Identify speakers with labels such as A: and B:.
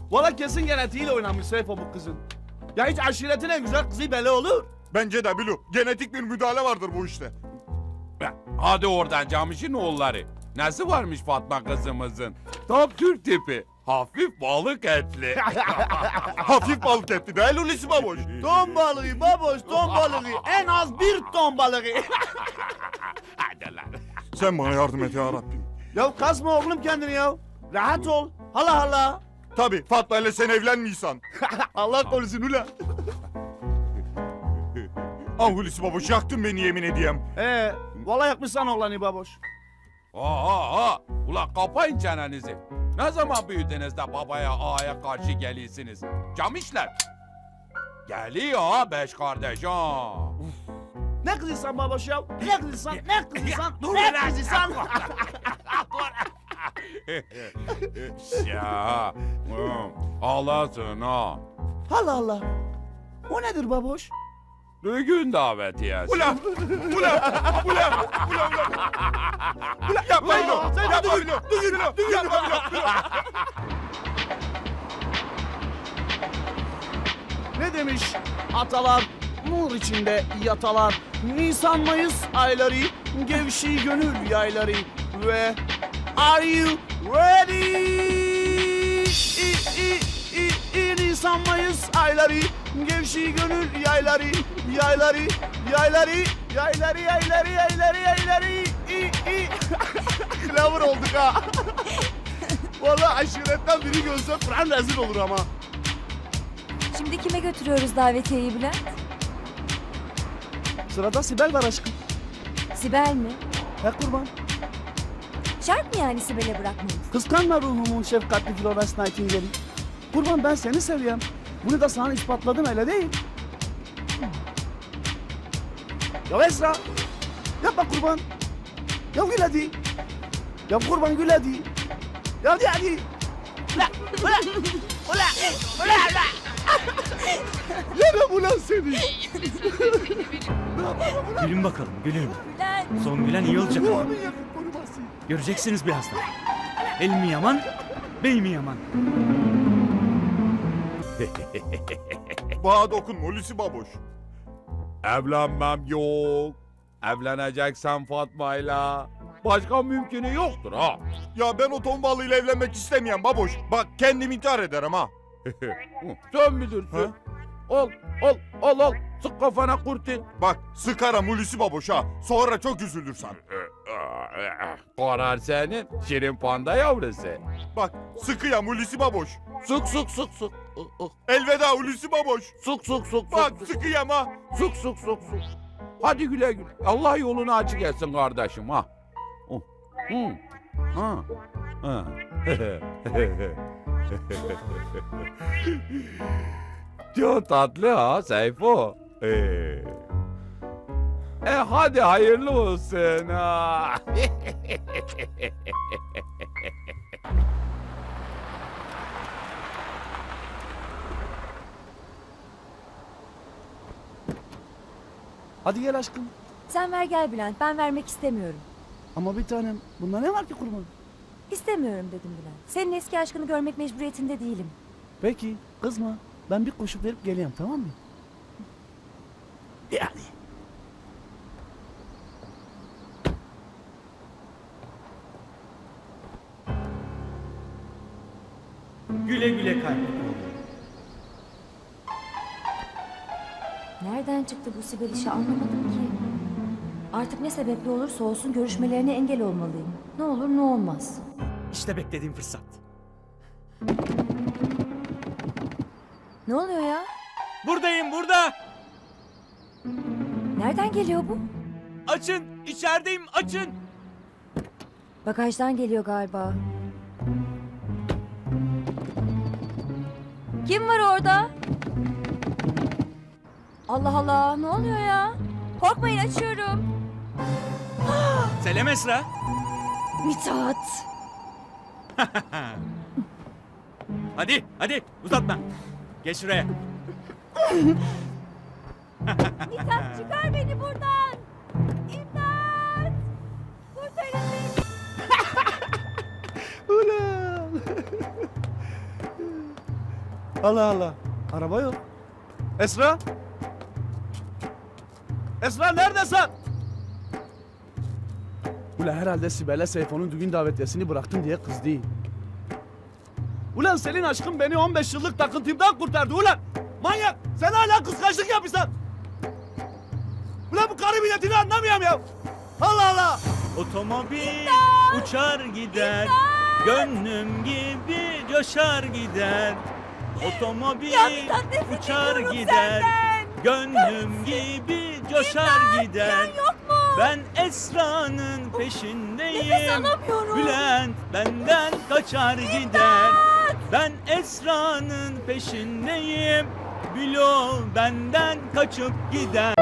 A: Valla kesin genetiğiyle oynamış Seyfo bu kızın. Ya hiç aşiretin en güzel kızı belli olur.
B: Bence de Bilu. Genetik bir müdahale vardır bu işte.
C: Hadi oradan Camiş'in oğulları. Nesi varmış Fatma kızımızın? Tam Türk tipi. Hafif balık etli.
B: Hafif balık etti değil Hulusi baboş.
A: Ton balığı baboş, ton balığı. En az 1 ton balığı.
C: Hadi lan.
B: Sen bana yardım et ya Rabbim.
A: Ya kasma oğlum kendini ya. Rahat ol. Hala hala.
B: Tabii Fatma ile sen evlenmiyorsan.
A: Allah korusun ulan.
B: Ah Hulusi baboş yaktın beni yemin edeyim.
A: Valla yakmışsan oğlanı baboş.
C: Aa. Ulan kapayın çenenizi. Ne zaman büyüdünüz de babaya ağaya karşı geliyorsunuz? Camişler. Geliyor ha 5 kardeş ha.
A: Ne kızıysan baboş ya? Ne kızıysan? Ne kızıysan?
C: Dur
A: Ne
C: lan.
A: kızıysan?
C: Ya. Ağlasın ha.
A: Allah Allah. O nedir baboş?
C: Düğün davetiyesi.
B: Ulan yapma Bilu. Yapma Bilu. Yapma Bilu.
A: Ne demiş atalar? Nur içinde yatalar. Nisan Mayıs ayları, gevşi gönül yayları ve Are you ready? Nisan Mayıs ayları, gevşi gönül yayları, yayları. Klavur olduk ha. Vallahi aşiretten biri görse Kur'an rezil olur ama.
D: Şimdi kime götürüyoruz davetiyeyi Bülent?
A: Sırada Sibel var aşkım.
D: Sibel mi?
A: He kurban.
D: Şart mı yani Sibel'e bırakmayız?
A: Kıskanma ruhumun şefkatli Florence Nightingale'i. Kurban ben seni seviyorum. Bunu da sana ispatladım öyle değil. Ya Esra. Yapma kurban. Ya gül hadi. Ya kurban gül hadi. Ya hadi. Ula. Yerim ulan seni.
E: Gülün bakalım, gülün.
D: Bülent!
E: Son gülen iyi olacak ama.
A: Onun yakın koruması.
E: Göreceksiniz birazdan. El mi yaman, bey mi yaman?
B: Bana dokunma Hulusi baboş.
C: Evlenmem yok. Evleneceksen Fatma'yla. Başka mümkünü yoktur ha.
B: Ya ben o ton balığıyla evlenmek istemeyen baboş. Bak kendim intihar ederim ha.
C: Sen bilirsin.
B: Ha?
C: Al. Sık kafana kurtin.
B: Bak sıkarım Hulusi baboş ha. Sonra çok üzülürsen.
C: Karar senin. Şirin panda yavrusu.
B: Bak sıkıyam Hulusi baboş.
C: Sık.
B: Elveda Hulusi baboş.
C: Sık.
B: Bak sıkıyam ha.
C: Sık. Hadi güle güle. Allah yolunu açık etsin kardeşim ha. Ha. Çok tatlı ha Seyfo. Hadi hayırlı olsun ha.
A: Hadi gel aşkım.
D: Sen ver gel Bülent, ben vermek istemiyorum.
A: Ama bir tanem bunda ne var ki kurban?
D: İstemiyorum dedim Bülent. Senin eski aşkını görmek mecburiyetinde değilim.
A: Peki kızma. Ben bir koşup verip geleyim tamam mı? Yani.
E: Güle güle kaybet.
D: Nereden çıktı bu Sibel işi anlamadım ki. Artık ne sebeple olursa olsun görüşmelerine engel olmalıyım. Ne olur ne olmaz.
E: İşte beklediğim fırsat.
D: Ne oluyor ya?
E: Buradayım, burada.
D: Nereden geliyor bu?
E: Açın, içerideyim, açın.
D: Bagajdan geliyor galiba. Kim var orada? Allah Allah, ne oluyor ya? Korkmayın, açıyorum.
E: Selam Esra.
D: Mithat.
E: Hadi uzatma. Geç şuraya.
D: Mithat çıkar beni buradan. İmdat. Kurtarın beni.
A: Ulan. Allah Allah. Araba yok. Esra? Esra neredesin? Ulan herhalde Sibel'e Seyfo'nun düğün davetiyesini bıraktın diye kızdı. Ulan senin aşkın beni 15 yıllık takıntımdan kurtardı ulan. Manyak! Sen hala kıskançlık yapıyorsun. Ulan bu karı milletini anlamıyorum ya. Allah Allah!
E: Otomobil uçar gider. Gönlüm gibi coşar gider. Otomobil uçar gider. Gönlüm gibi coşar gider. Ben Esra'nın peşindeyim. Bülent benden kaçar gider. Ben Esra'nın peşindeyim. Bülo benden kaçıp gider.